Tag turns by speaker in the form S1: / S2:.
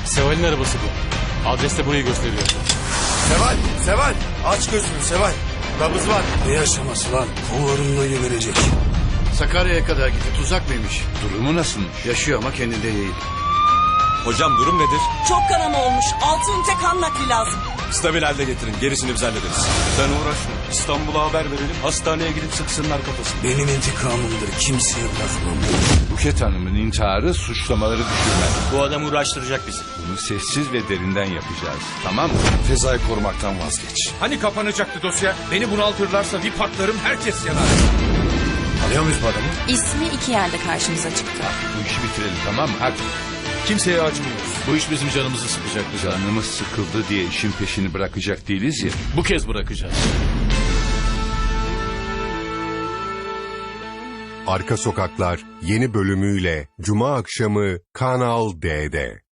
S1: Seval'in arabası bu. Adres de burayı gösteriyor.
S2: Seval aç gözünü Seval. Nabız var. Ne yaşaması lan? Kollarında geberecek.
S3: Sakarya'ya kadar gitti. Tuzak mıymış?
S4: Durumu nasılmış?
S3: Yaşıyor ama kendinde değil.
S5: Hocam durum nedir?
S6: Çok kanama olmuş. 6 ünite kan nakli lazım.
S5: Stabil halde getirin. Gerisini biz hallederiz. Sen uğraşma. İstanbul'a haber verelim. Hastaneye gidip sıksınlar kafasını.
S2: Benim intikamımdır. Kimseye bırakmam.
S4: Buket Hanım'ın intiharı suçlamaları düşürmez.
S1: Bu adam uğraştıracak bizi.
S4: Bunu sessiz ve derinden yapacağız. Tamam mı?
S2: Feza'yı korumaktan vazgeç.
S7: Hani kapanacaktı dosya? Beni bunaltırlarsa bir patlarım, herkes yanar.
S2: Tanıyor muyuz bu adamı?
S8: İsmi 2 yerde karşımıza çıktı.
S4: Bu işi bitirelim, tamam mı? Hadi.
S7: Kimseye acımıyoruz.
S1: Bu iş bizim canımızı sıkacak bize.
S4: Canımız sıkıldı diye işin peşini bırakacak değiliz ya.
S1: Bu kez bırakacağız.
S9: Arka Sokaklar yeni bölümüyle Cuma akşamı Kanal D'de.